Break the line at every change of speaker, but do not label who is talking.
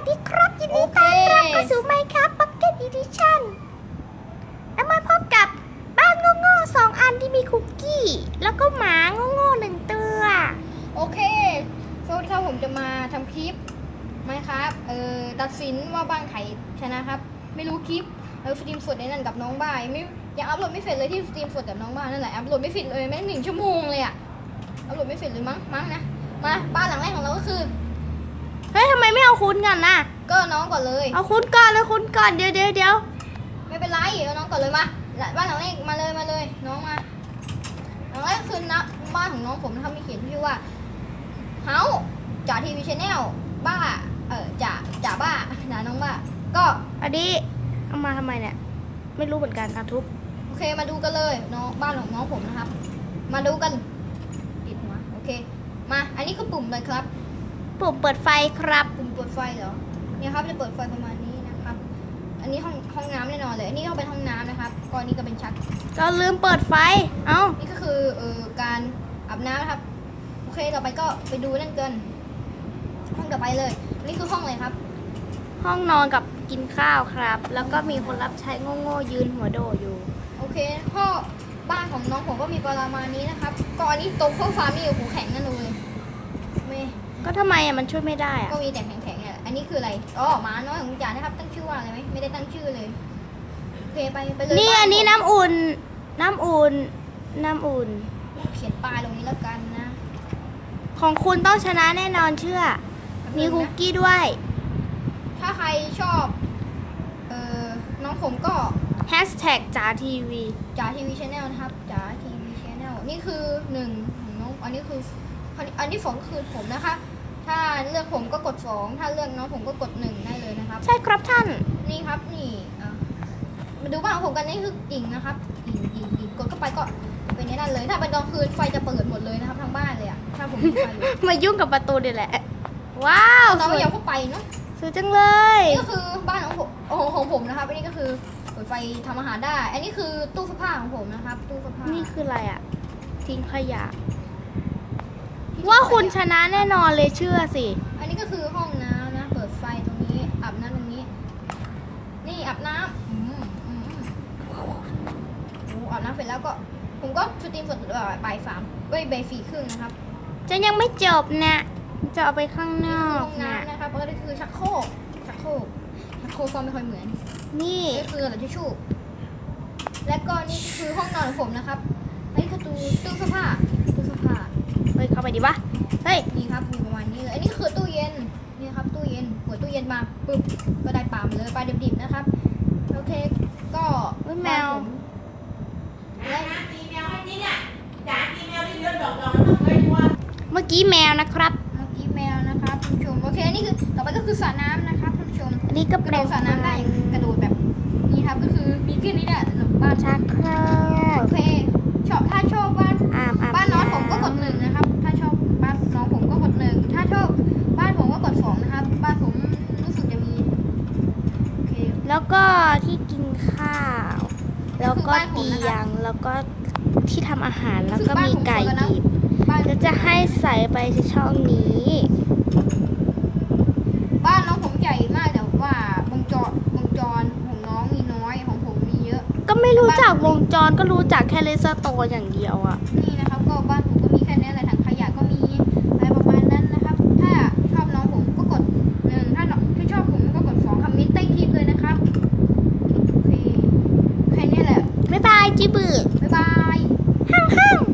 ดีครับยินดีต้อนรับเข้าสู่ Minecraft Pocket Edition แล้วมาพบกับบ้านโง่ๆ2 อันที่มีคุกกี้แล้วก็หมาโง่ๆ1 ตัว
โอเคสวัสดีครับผมจะมาทำคลิปไหมครับตัดสินว่าบ้านใครชนะครับไม่รู้คลิปสตรีมสดในนั่นกับน้องบ่ายไม่ยังอัพโหลดไม่เสร็จเลยที่สตรีมสดกับน้องบ่ายนั่นแหละอัพโหลดไม่เสร็จเลยแม่ง1 ชั่วโมงเลยอะอัพโหลดไม่เสร็จเลยมั้งนะมาบ้านหลังแรกของเราก็คือ
เฮ้ยทำไมไม่เอาคุณกันน่ะ
ก็น้องก่อนเลย
เอาคุณก่อนเลยคุณก่อนเดี๋ยว
ไม่เป็นไรเอาน้องก่อนเลยมาบ้านหลังแรกมาเลยน้องมาหลังแรกคือนะบ้านของน้องผมนะครับมีเขียนชื่อว่าเฮาจ่าทีวีชแนลบ้าจ่าบ้าด่าน้องบ้าก็
อันนี้เอามาทำไมเนี่ยไม่รู้เหมือนกันทุบ
โอเคมาดูกันเลยน้องบ้านของน้องผมนะครับมาดูกันปิดหัวโอเคมาอันนี้คือปุ่มเลยครับ
ปุ่มเปิดไฟครับ
ปุ่มเปิดไฟเหรอเนี่ยครับจะเปิดไฟประมาณนี้นะครับ อันนี้ห้องน้ำแน่นอนเลยอันนี้ก็เป็นห้องน้ำนะครับก่อนนี้ก็เป็นชัก
เราลืมเปิดไฟเอ้า
นี่ก็คือการอาบน้ำนะครับโอเคต่อไปก็ไปดูนั่นเกินห้องต่อไปเลยนี่คือห้องอะไรครับ
ห้องนอนกับกินข้าวครับ แล้วก็มีคนรับใช้โง่ๆยืนหัวโดอยู่
โอเคห้องบ้านของน้องผมก็มีประมาณนี้นะครับก่อนนี้โต๊ะโซฟามีหูแข็งนั่นเลยไม่
ก็ทำไมมันช่วยไม่ได้อะ
ก็มีแต่แข็งๆเนี่ยอันนี้คืออะไรอ๋อหมาน้อยของจ๋านะครับตั้งชื่อว่าอะไรไหมไม่ได้ตั้งชื่อเลยโอเคไปเลย
นี่อันนี้น้ำอุ่น
เขียนป้ายตรงนี้แล้วกันนะ
ของคุณต้องชนะแน่นอนเชื่อ มีคุกกี้ด้วย
ถ้าใครชอบน้องผมก็
Hashtag จ๋าทีวี
จ๋าทีวีชแนลนะครับจ๋าทีวีชแนลนี่คือ1ของน้องอันนี้ที่2คือผมนะคะถ้าเลือกผมก็กด2ถ้าเลือกน้องผมก็กด1ได้เลยนะครับ
ใช่ครับท่าน
นี่ครับนี่มาดูบ้านของผมกันนี่คือกิ่งนะครับกิ่งกดเข้าไปก็เป็นอย่างนั้นเลยถ้าเป็นกลางคืนไฟจะเปิดหมดเลยนะครับทั้งบ้านเลยอะถ้าผมมีไฟอยู่
มายุ่งกับประตูเดี๋ยวแหละ ว้าว
เราไม่ยอมเข้าไปเนาะ
สวยจังเลย
นี่ก็คือบ้านของผมของผมนะครับอันนี้ก็คือเปิดไฟทำอาหารได้ อันนี้คือตู้เสื้อผ้าของผมนะครับตู้เสื้อผ้า
นี่คืออะไรอ่ะ ทิ้งขยะ ว่าคุณชนะแน่นอนเลยเชื่อสิ
อันนี้ก็คือห้องน้ำนะเปิดไฟตรงนี้อาบน้ำตรงนี้ นี่อาบน้ำอาบน้ำเสร็จแล้วก็ผมก็สตรีมสดบ่าย3บ่าย 4:30นะครับ
จะยังไม่จบนะจะเอาไปข้างน
นี่
อ
คื
ก
อห้อง
นะ
น้ำนะครับแล้วก็คือชักโครกฟอร์มไม่ค่อยเหมือน
นี่
นี่คือเราจะชูและก็นี่คือห้องนอนของผมนะครับอันนี้คือตู้เสื้อผ้า
เฮ้ยเข้าไปดิวะเฮ้ย
นี่ครับมีประมาณนี้เลยอันนี้คือตู้เย็นนี่ครับตู้เย็นเปิดตู้เย็นมาปึ๊บก็ได้ปลามาเลยปลาดิบๆนะครับโอเคก็
เฮ้ยแมว
และ
เมื่อกี้แมวนะครับ
เมื่อกี้แมวนะครับท่านผู้ชมโอเคนี่คือต่อไปก็คือสระน้ำนะครับท่านผู้ชม
นี่ก็
ก
แป
ระ
ล
โดดสระน้ำได้อย่างกระโดดแบบนี้ครับก็คือมีแค่นี้แหละสำหรับบ้าน
ชักโครก
โอเคถ้าชอบบ้าน บ้านน้องผมก็กด1นะครับ ถ้าชอบบ้านน้องผมก็กด1ถ้าชอบบ้านผมก็กด2นะครับ บ้านผมรู้สึกจะมีโอเค
แล้วก็ที่กินข้าว แล้วก็เตียง แล้วก็ที่ทำอาหาร แล้วก็มีไก่ดิบ
บ้าน
แล้วจะให้ใส่ไปในช่องนี้
บ้านน้องผมใหญ่มากแต่ว่าวงจรของน้องมีน้อยของผมมีเยอะ
ก็ไม่รู้จักวงจรก็รู้จักแค่เลสโตร์อย่างเดียวอะ
นี่นะครับก็บ้านผมก็มีแค่นี้แหละถังขยะก็มีอะไรประมาณนั้นนะครับ ถ้าชอบน้องผมก็กด1ถ้าชอบผมก็กด2คอมเมนต์ใต้คลิปเลยนะครับโอเคแค่นี้แหละ
บ๊ายบายจิบือ
บ๊ายบาย
ห้าง